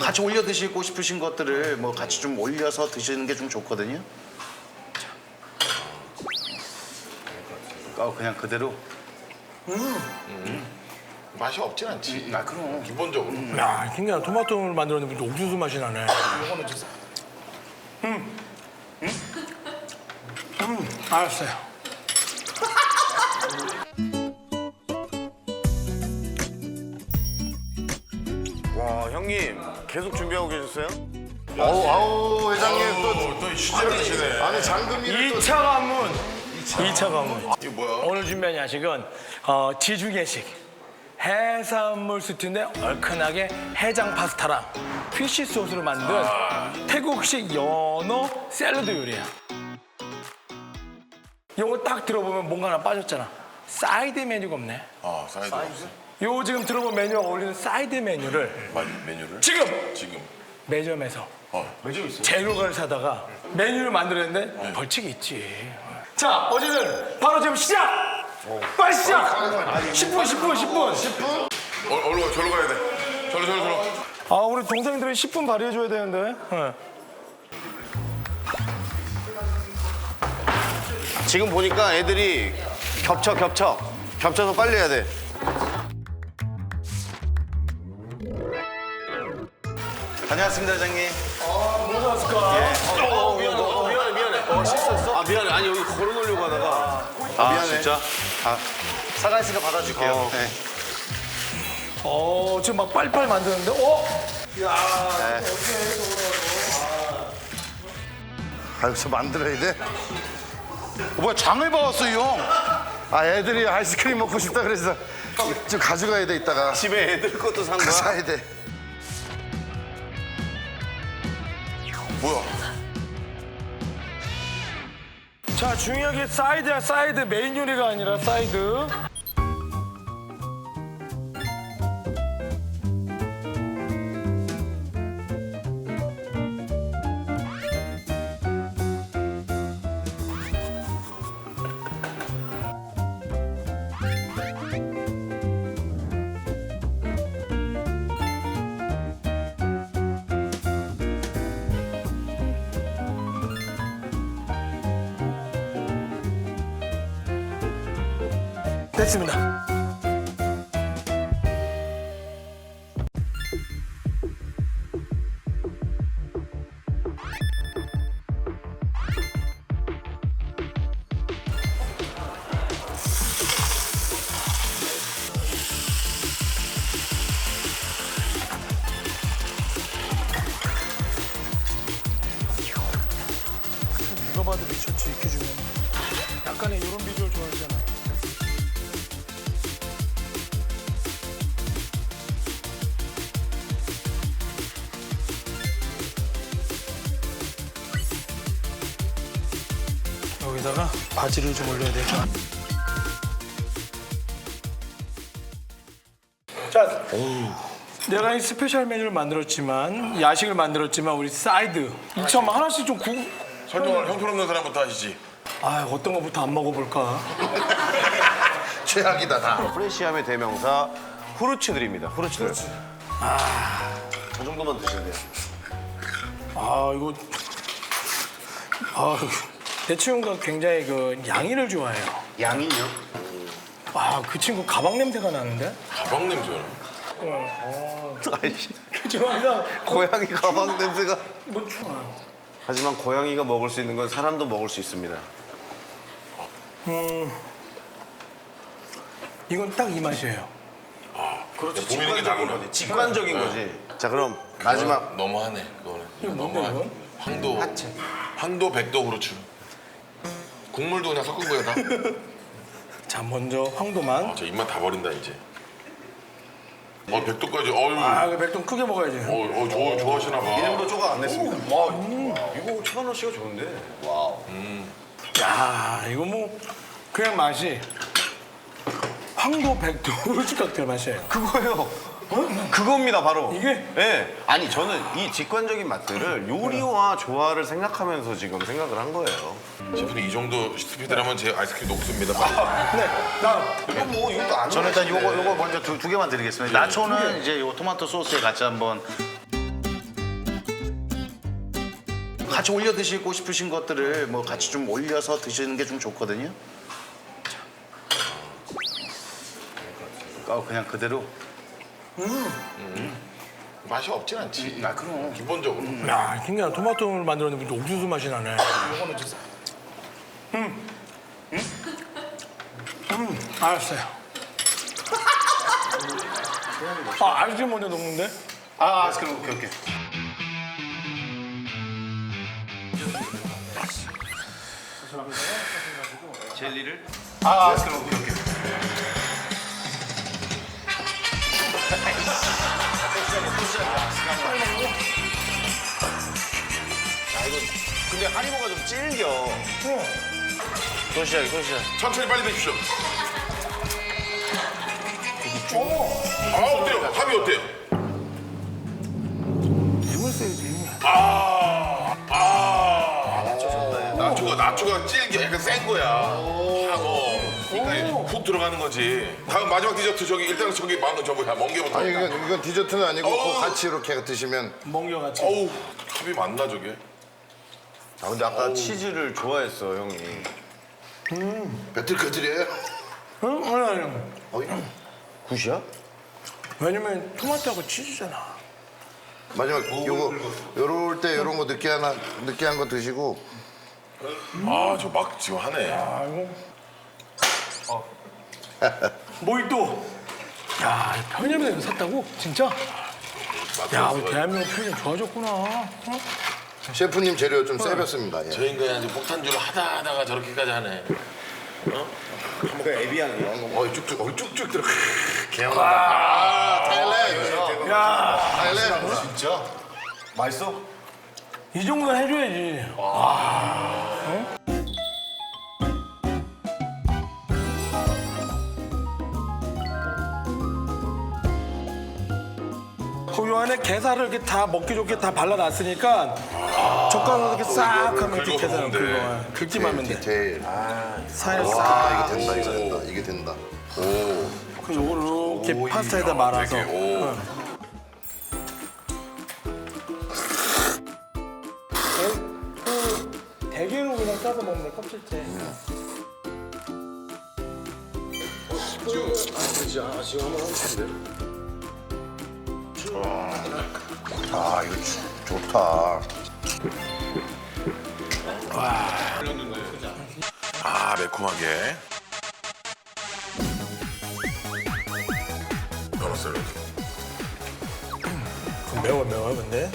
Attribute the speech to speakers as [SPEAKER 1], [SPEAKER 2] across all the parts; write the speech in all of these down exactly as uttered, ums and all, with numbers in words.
[SPEAKER 1] 같이 올려 드시고 싶으신 것들을 뭐 같이 좀 올려서 드시는 게 좀 좋거든요. 아, 그냥 그대로.
[SPEAKER 2] 맛이 없진 않지.
[SPEAKER 1] 아, 그럼.
[SPEAKER 2] 기본적으로.
[SPEAKER 3] 야, 신기하다. 토마토를 만들었는데 옥수수 맛이 나네. 음. 음? 음, 알았어요.
[SPEAKER 4] 와 형님 계속 준비하고 계셨어요?
[SPEAKER 2] 아우, 아우, 회장님 또, 또 시제를 드시네. 아니, 장금이를 또.
[SPEAKER 3] 이 차 가문. 이 차 가문.
[SPEAKER 2] 이게 뭐야?
[SPEAKER 3] 오늘 준비한 야식은 어, 지중해식. 해산물 스튜인데 얼큰하게 해장 파스타랑 피쉬 소스로 만든 태국식 연어 샐러드 요리야. 요거 딱 들어보면 뭔가 하나 빠졌잖아. 사이드 메뉴가 없네.
[SPEAKER 2] 아, 사이드 없어.
[SPEAKER 3] 요 지금 들어본 메뉴가 어울리는 사이드 메뉴를
[SPEAKER 2] 마- 메뉴를?
[SPEAKER 3] 지금
[SPEAKER 2] 지금.
[SPEAKER 3] 매점에서
[SPEAKER 2] 어, 매점 있어.
[SPEAKER 3] 재료를 사다가 메뉴를 만들었는데 벌칙이 있지. 자, 어제는 바로 지금 시작! 빨리 시작! 십 분, 십 분, 십 분. 십 분?
[SPEAKER 2] 어, 얼른 가, 절로 가야 돼. 절로, 절로, 절로.
[SPEAKER 3] 아, 우리 동생들이 십 분 발휘해줘야 되는데. 네.
[SPEAKER 4] 지금 보니까 애들이 겹쳐 겹쳐 겹쳐서 빨리 해야 돼.
[SPEAKER 1] 다녀왔습니다, 회장님.
[SPEAKER 3] 뭐 나왔을까?
[SPEAKER 4] 어, 미안해, 어, 미안해, 미안해. 어, 실수했어? 아, 미안해. 아니, 여기 걸어놓으려고 하다가.
[SPEAKER 1] 아,
[SPEAKER 4] 미안해.
[SPEAKER 1] 진짜? 아, 사과했으니까 받아줄게요.
[SPEAKER 4] 어.
[SPEAKER 1] 네.
[SPEAKER 3] 어, 지금 막 빨리빨리 만드는데? 어?
[SPEAKER 4] 아, 여기서 만들어야 돼?
[SPEAKER 1] 어, 뭐야, 장을 봐왔어, 이 형.
[SPEAKER 4] 아, 애들이 아이스크림 먹고 싶다 그래서 좀 가져가야 돼, 이따가. 집에 애들 것도 산 거야? 사야 돼.
[SPEAKER 2] 뭐야?
[SPEAKER 3] 자, 중요한 게 사이드야, 사이드. 메인 요리가 아니라 사이드. 됐습니다. 누가 봐도 미쳤지, 이렇게 주면. 약간의 이런 비주얼 좋아하잖아. 여기다가 바지를 좀 올려야 되죠. 자, 내가 이 스페셜 메뉴를 만들었지만 야식을 만들었지만 우리 사이드 이참 하나씩 좀 구.
[SPEAKER 2] 설명을 형편없는 사람부터 하시지.
[SPEAKER 3] 아, 어떤 거부터 안 먹어볼까?
[SPEAKER 4] 최악이다, 다. 프레시함의 대명사 후르츠들입니다, 후르츠들. 아, 저 정도만 드시면 돼요.
[SPEAKER 3] 아, 이거 아, 내 친구가 굉장히 그 양이를 좋아해요.
[SPEAKER 1] 양이요?
[SPEAKER 3] 아, 그 친구 가방 냄새가 나는데?
[SPEAKER 2] 가방 냄새나.
[SPEAKER 4] 아이씨,
[SPEAKER 3] 죄송합니다.
[SPEAKER 4] 고양이 가방 냄새가.
[SPEAKER 3] 뭐 좋아요.
[SPEAKER 4] 하지만 고양이가 먹을 수 있는 건 사람도 먹을 수 있습니다.
[SPEAKER 3] 이건 딱 이 맛이에요.
[SPEAKER 4] 그렇지,
[SPEAKER 2] 보이는 게 다구나.
[SPEAKER 4] 직관적인 거지. 자, 그럼 마지막.
[SPEAKER 2] 너무하네, 그거는.
[SPEAKER 3] 이거 뭔데,
[SPEAKER 2] 너무하네.
[SPEAKER 3] 이건?
[SPEAKER 2] 황도. 황도, 백도, 후르츠. 국물도 그냥 섞은 거야, 다.
[SPEAKER 3] 자, 먼저 황도만.
[SPEAKER 2] 아, 저 입맛 다 버린다, 이제. 어, 백도까지. 어유.
[SPEAKER 3] 아, 그 백동 크게 먹어야지.
[SPEAKER 2] 어, 어, 좋아, 좋아하시나 봐.
[SPEAKER 4] 이름도 조각 안 냈습니다. 와, 이거 천원 씨가 좋은데. 와우.
[SPEAKER 3] 야, 이거 뭐 그냥 맛이 황도 백도 후르츠 칵테일 맛이에요.
[SPEAKER 4] 그거예요. 어? 그겁니다, 바로.
[SPEAKER 3] 이게?
[SPEAKER 4] 네. 아니, 저는 이 직관적인 맛들을 요리와 조화를 생각하면서 지금 생각을 한 거예요.
[SPEAKER 2] 셰프님, 이 정도 스피드라면 제 아이스크림 녹습니다.
[SPEAKER 3] 네, 나
[SPEAKER 4] 이거 뭐, 이것도 안
[SPEAKER 1] 저는 일단 요거, 요거 먼저 두, 두 개만 드리겠습니다. 나초는 이제 요 토마토 소스에 같이 한번. 같이 올려 드시고 싶으신 것들을 뭐 같이 좀 올려서 드시는 게 좀 좋거든요. 아, 그냥 그대로.
[SPEAKER 2] 맛이 없진 않지.
[SPEAKER 1] 아, 그럼.
[SPEAKER 2] 기본적으로.
[SPEAKER 3] 야, 신기하다. 토마토를 만들었는데 옥수수 맛이 나네. 음. 음? 음, 알았어요. 아, 아이스크림 먼저 녹는데?
[SPEAKER 1] 아, 그럼 오케이, 오케이. 젤리를? 아, 그럼 오케이, 오케이.
[SPEAKER 4] 근데 하리보가 좀 질겨. 또 시작이, 또 시작.
[SPEAKER 2] 천천히 빨리 드십시오. 아, 어때요? 합이 어때요?
[SPEAKER 3] 힘을 써야지, 힘을.
[SPEAKER 2] 아, 아. 나초가, 나초가 질겨. 약간 센 거야. 하고. 그러니까 훅 들어가는 거지. 다음 마지막 디저트 저기 일단 저기 망고 저거 멍게부터.
[SPEAKER 5] 아니 이건, 이건 디저트는 아니고
[SPEAKER 2] 어우.
[SPEAKER 5] 그거 같이 이렇게 드시면
[SPEAKER 3] 멍게같이.
[SPEAKER 2] 어우, 합이 맞나 저게?
[SPEAKER 4] 아, 근데 아까 치즈를 좋아했어, 형이.
[SPEAKER 5] 배틀커들이에요?
[SPEAKER 3] 응? 아니, 아니.
[SPEAKER 5] 어이?
[SPEAKER 4] 굿이야?
[SPEAKER 3] 왜냐면 토마토하고 치즈잖아.
[SPEAKER 5] 마지막 요거 요럴 때 요런 거 느끼한 하- 느끼한 거 드시고
[SPEAKER 2] 아, 저 막 지금 하네.
[SPEAKER 3] 아이고. 모히또. 야, 편의점에서 이거 샀다고? 진짜? 야, 우리 대한민국 편의점 좋아졌구나. 어?
[SPEAKER 5] 셰프님 재료 좀 세볐습니다. 예.
[SPEAKER 2] 저 인간이 아주 폭탄주를 하다 하다가 저렇게까지 하네.
[SPEAKER 4] 그 에비앙이야.
[SPEAKER 2] 어이 쭉쭉, 어이 쭉쭉 들어.
[SPEAKER 5] 아, 타일랜드.
[SPEAKER 3] 야,
[SPEAKER 5] 타일랜드.
[SPEAKER 1] 진짜?
[SPEAKER 4] 맛있어?
[SPEAKER 3] 이 정도는 해줘야지. 그 요 안에 게살을 이렇게 다 먹기 좋게 다 발라놨으니까 젓가락으로 이렇게 싹 하면 이렇게
[SPEAKER 2] 긁어서
[SPEAKER 3] 게살
[SPEAKER 2] 먹으면 돼.
[SPEAKER 3] 긁어. 긁기만 하면 돼.
[SPEAKER 5] 디테일.
[SPEAKER 3] 살짝.
[SPEAKER 5] 와 이게 된다 이거 된다 이게 된다.
[SPEAKER 3] 그 요거를 이렇게 파스타에다 말아서.
[SPEAKER 2] 되게, 오.
[SPEAKER 3] 어. 그 대게로 그냥 싸서 먹는 거 껍질째.
[SPEAKER 5] 아 이거 주- 좋다.
[SPEAKER 2] 아, 매콤하게. 연어 샐러드.
[SPEAKER 3] 매워 매워 근데.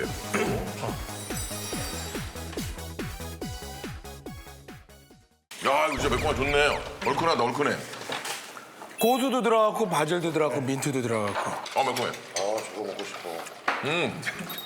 [SPEAKER 2] 야, 이거 진짜 매콤하 좋네. 얼큰하다, 얼큰해.
[SPEAKER 3] 고수도 들어갔고 바질도 들어갔고 민트도 들어갔고.
[SPEAKER 2] 어, 매콤해.
[SPEAKER 5] 아 저거 먹고 싶어.
[SPEAKER 2] 음.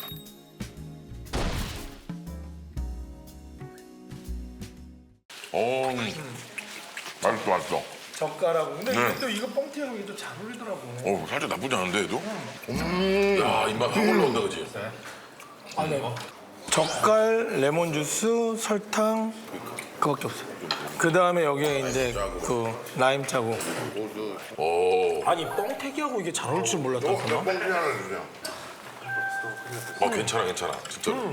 [SPEAKER 2] 어, 음. 맛있어, 맛있어.
[SPEAKER 3] 젓가락. 근데
[SPEAKER 2] 네.
[SPEAKER 3] 이게 또 이거 뻥튀하고 이게 또 잘 어울리더라고.
[SPEAKER 2] 어, 살짝 나쁘지 않은데, 얘도? 야, 입맛 확 올라온다, 그지?
[SPEAKER 3] 아, 네. 젓갈, 레몬 주스, 설탕 그밖에 없어. 그 다음에 여기에 이제 그 라임 짜고.
[SPEAKER 2] 오.
[SPEAKER 3] 아니 뻥튀기하고 이게 잘 어울릴 줄 몰랐다.
[SPEAKER 5] 몇 봉지 하나 주세요.
[SPEAKER 2] 어, 괜찮아, 괜찮아. 진짜로.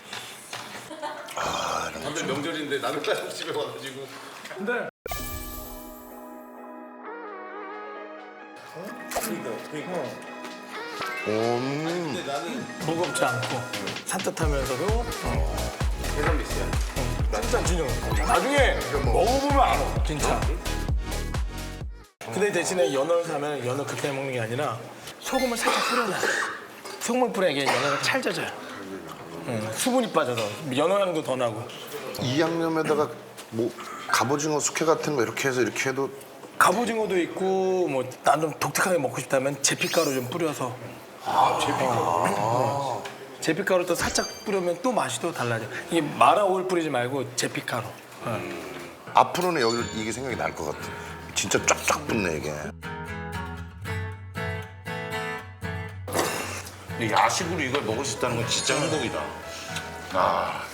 [SPEAKER 4] 다들 명절인데 나는 딱 집에 와가지고.
[SPEAKER 3] 근데
[SPEAKER 5] 음.
[SPEAKER 3] 무겁지 않고 산뜻하면서도 어.
[SPEAKER 4] 해산미스야.
[SPEAKER 3] 진짜 진정. 나중에 먹어보면 알아, 진짜. 근데 대신에 연어를 사면 연어 그렇게 먹는 게 아니라 소금을 살짝 뿌려놔. 소금을 뿌려야 이게 연어가 찰져져요. 응, 수분이 빠져서 연어 향도 더 나고.
[SPEAKER 5] 이 양념에다가 뭐 갑오징어 숙회 같은 거 이렇게 해서 이렇게 해도
[SPEAKER 3] 갑오징어도 있고 뭐 난 좀 독특하게 먹고 싶다면 제피가루 좀 뿌려서. 아, 제피가루. 제피가루 또 살짝 뿌리면 또 맛이 또 달라져. 이게 마라 오일 뿌리지 말고 제피가루.
[SPEAKER 5] 앞으로는 여기 이게 생각이 날 것 같아. 진짜 쫙쫙 붙네 이게.
[SPEAKER 1] 야식으로 이걸 먹을 수 있다는 건 진짜 행복이다.
[SPEAKER 2] 아,